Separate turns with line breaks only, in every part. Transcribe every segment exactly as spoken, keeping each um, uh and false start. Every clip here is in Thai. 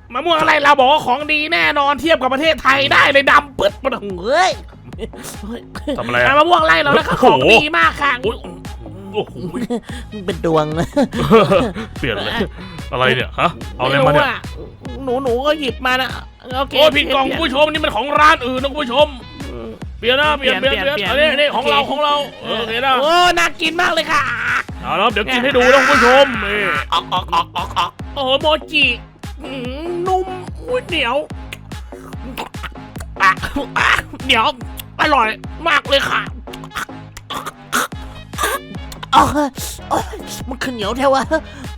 มะม่วงอะไรเราบอกว่าของดีแน่นอนเทียบกับประเทศไทยได้เลยดำปึ๊ดมาเฮ้ย
ทำอะไร
มะม่วงไรเราแล้วก็ของดีมากค่ะ
โอ้โห
เป็นดวง
เปลี่ยนเลยอะไรเนี่ยฮะเอาอะไรมาเนี่ย
หนูหนูก็หยิบมานะโอเค
โอ้พี่กองผู้ชมนี่มันของร้านอื่นนะผู้ชมเปลี่ยนนะเปลี่ยนเปลี่ยนเปลี่ยนอันนี้นี่ของเราของเราโอเคนะ
โอ้น่ากินมากเลยค่ะ
เอาแล้วเดี๋ยวกินให้ดูนะผู้ชมนี่
ออกออกออกออกออกโอ้โมจินุ่มเหนียวเหนียวอร่อยมากเลยค่ะ
อ๋อมันขึ้นเหนียวแท้วะ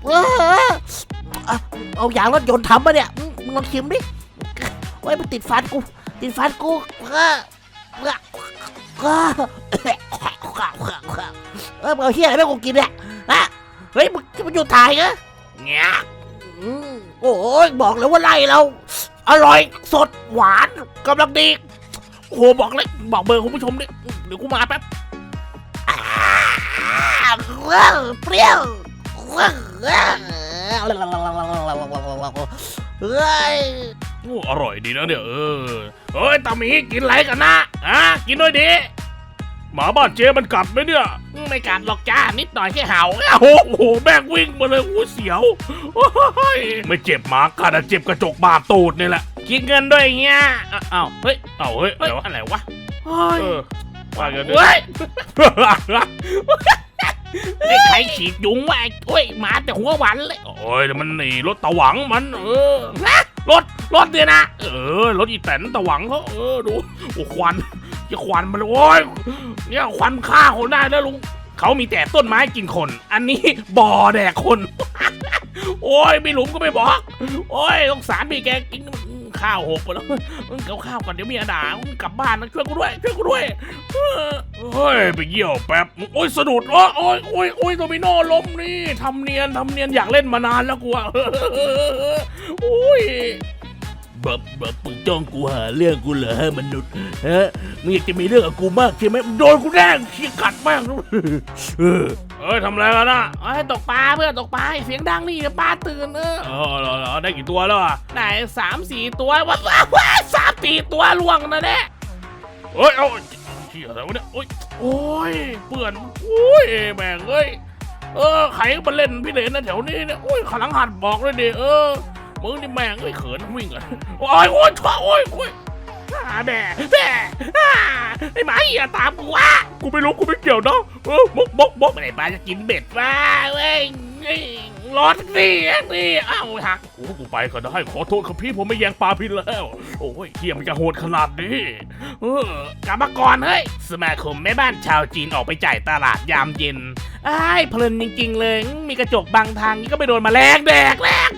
เอาอย่างรถยนต์ทำมาเนี่ยมึงลองชิมดิโอ้ยมันติดฟันกูติดฟันกูก็ก็เออเอาเฮียอะไรไม่กูกินเนี่ยฮะเฮ้ยมันมันอยู่ถ่ายเหรอ
เงี้ย
โอ้ยบอกเลยว่าไล่เราอร่อยสดหวานกำลังดี
โอ้โหบอกเลยบอกเบอร์คุณผู้ชมดิเดี๋ยวกูมาแป๊บ
เปรี้ยวเฮ้ย
โอ้อร่อยดีนะเนี่ยเออ
เฮ้ยตาหมีกินอะไรกันนะอ่ะกินด้วยดิ
หมาบ้านเจ๊มันกัดไหมเนี่ย
ไม่กัดหรอกจ้านิดหน่อยแค่เห่าโอ้โหแบกวิ่งมาเลยโอ้เสียว
ไม่เจ็บหมากัดเจ็บกระจกบาดตูดนี่แหละ
กินเงินด้วยเงี้ยอ้าวเฮ้ย
อ้าวเฮ้ย
อะไรวะ
เฮ้ยว่ากัน
ด้วยไอ้ใครฉีดยุงวะโอ้ยมาแต่หัวหวานเลย
โอ้ยมันนี่รถตะหวังมันเออ
รถรถเนี่ยนะ
เออรถอีแตนตะหวังเขาเออดูโอ้ควันจะควันมันโอ้ยเนี่ยควันฆ่าคนได้แล้วลุง
เขามีแต่ต้นไม้กินคนอันนี้บ่อแดกคนโอ้ยมีหลุมก็ไม่บอกโอ้ยสงสารมีแกกินข้าวหกไปแล้วเกี่ยวข้าวก่อนเดี๋ยวมีอาด่ากลับบ้านนะช่วยกูด้วยช่วยกูด้วย
เฮ้ยไปเยี่ยวแป๊บโอ้ยสะดุดโอ้ยโอ้ยโอ้ยโอ้ยโดมิโนล้มนี่ทำเนียนทำเนียนอยากเล่นมานานแล้วกูอ่ะ
โอ้ย
แบบแบบมึงจ้องกูหาเรื่องกูเหรอมนุษย์ฮะมึงอยากจะมีเรื่องกับกูมากใช่ไหมโดนกูแน่งขี้กัดมากเออเอ้ยทำอะไรกันนะ
ให้ตกปลาเพื่อนตกปลาเสียงดังนี่ปลาตื่นเออ
เออเหรอได้กี่ตัวแล้วอ่ะ
ไหนสามสี่ตัวว้าวว้าสามสี่ตัวล่วงนะเนี่ย
เฮ้ยเอาเชี่ยอะไรวะเนี่ยโอ้ยโอ้ยเปื่อนโอ้ยแม่งเอ้ยเออใครมาเล่นพี่เลนนะแถวนี้เนี่ยโอ้ยขลังหัดบอกเลยดิเออมึงนี่แม่งเอ้ยเขินวิ่งอ่ะโอ้ยโอ้ยโอ้ยโอ้ย
แม่แม่ไอ้หมาเหี้ยตามกูวะ
กูไม่รู้กูไม่เกี่ยวนะเออบกบกบก
ไอ้ปลาจะกินเบ็ดว่าเว้ยรถนี่นี่อ้าวหัก
โอ้กูไปก็ได้ขอโทษครับพี่ผมไม่แย่งปลาพินแล้วโอ้ยเฮียมันจะโหดขนาดนี้
เออกลับมาก่อนเฮ้ยสมาคมแม่บ้านชาวจีนออกไปจ่ายตลาดยามเย็นไอ้เพลินจริงๆเลยมีกระจกบังทางนี่ก็ไปโดนมาแรงแดกแรง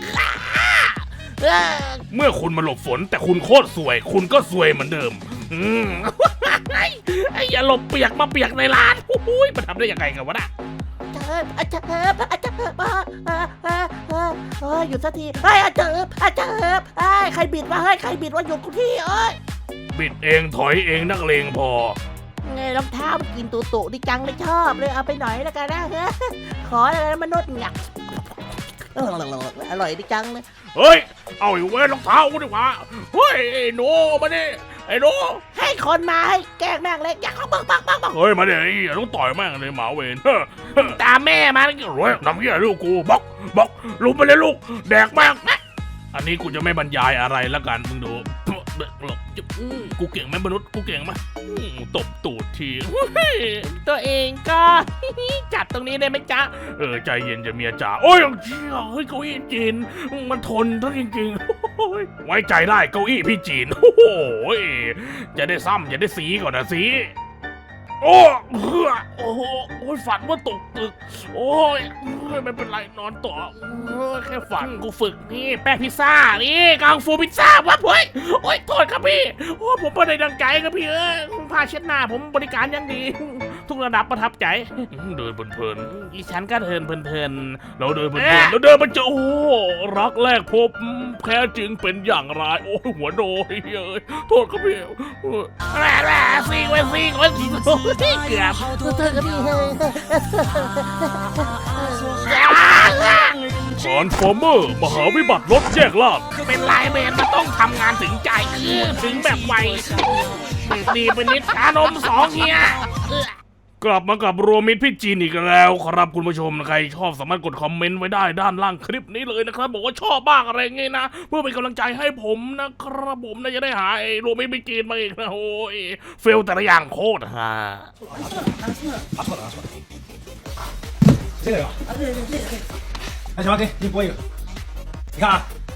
เมื่อคุณมาหลบฝนแต่คุณโคตรสวยคุณก็สวยเหมือนเดิมอืม
ไอ้อย่าหลบเปียกมาเปียกในร้านโอ้ยมันทำได้ยังไงกันวะน่ะ
เจิบอาเจิบอาเจิบเฮ้ยหยุดสักทีเฮ้ยอาเจิบอาเจิบเฮ้ยใครบิดวะเฮ้ยใครบิดวะหยุดกูที่เอ้ย
บิดเองถอยเองนักเลงพอ
ไงรองเท้ามันกินตุ่ตุดิจังเลยชอบเลยเอาไปหน่อยแล้วกันนะเฮ้ยขออะไรมนุษย์หยักอร่อยดิจังเลย
เฮ้ยเอาอีกเว้ยรองเท้ากูดีกว่าเฮ้ยไอ้โน่มาดิไอ้โน่
ให้คนมาให้แกล้งแม่งเลยอยากเขาบังบังบังบัง
เฮ้ยมาดิไอ้ต้องต่อยแม่งเลยหมาเวน
ตามแม่มา
แล้วรวยน้ำเหี้ยลูกกูบอกบอกลุกไปเลยลูกแดกแม่งอันนี้กูจะไม่บรรยายอะไรละกันมึงดูกูเก่งไหมมนุษย์กูเก่งไหมตบตูดที
ตัวเองก็จัดตรงนี้ได้ไหมจ๊ะ
เออใจเย็นจะเมียจ๋าโอ้ยเชี่ยเฮ้ยเก้าอี้จีนมันทนทั้งจริงๆไว้ใจได้เก้าอี้พี่จีนโอ้โหจะได้ซ้ำจะได้สีก่อนนะสีโอ้โอ้โหโอ้ยฝันว่าตกตึกโอ้ยไม่เป็นไรนอนต่อแค่ฝัน
กูฝึกนี่แป้งพิซซ่านี่กังฟูพิซซ่าวะเฮ้ยโอ้ยโทษครับพี่โอ้ผมไม่ได้ดังใจครับพี่เอ้ยผ้าเช็ดหน้าผมบริการยังดีทุกระดับประทับใจ
เดินเพลิน
อีฉันก็เดินเพลิน
เราเดินเพลินเราเดินมันจะโอ้รักแรกพบแท้จริงเป็นอย่างไรโอ้หัวโดยเอ้ยโทษครับพี่
แร่แร่ซิงไว้ซิงไว้ซิงเกือบ
เธอกับพี่
ทรานส์ฟอร์เมอร์มหาวิบัติรถแยกล่าง
เป็นไลน์แมนมันต้องทำงานถึงใจเออถึงแบบไวดีไปนิดชานมสองเฮียเออก
ลับมากับรวมมิตรพี่จีนอีกแล้วครับคุณผู้ชมใครชอบสามารถกดคอมเมนต์ไว้ได้ด้านล่างคลิปนี้เลยนะครับบอกว่าชอบบ้างอะไรเงี้ยนะเพื่อเป็นกำลังใจให้ผมนะครับผมน่าจะได้หาไอ้รวมมิตรพี่จีนมาอีกนะโอ้ยเฟลแต่ละอย่างโคตรฮา
拿错了，拿错了。这个有。啊，对对对对。来，小王给你拨一个。你看啊，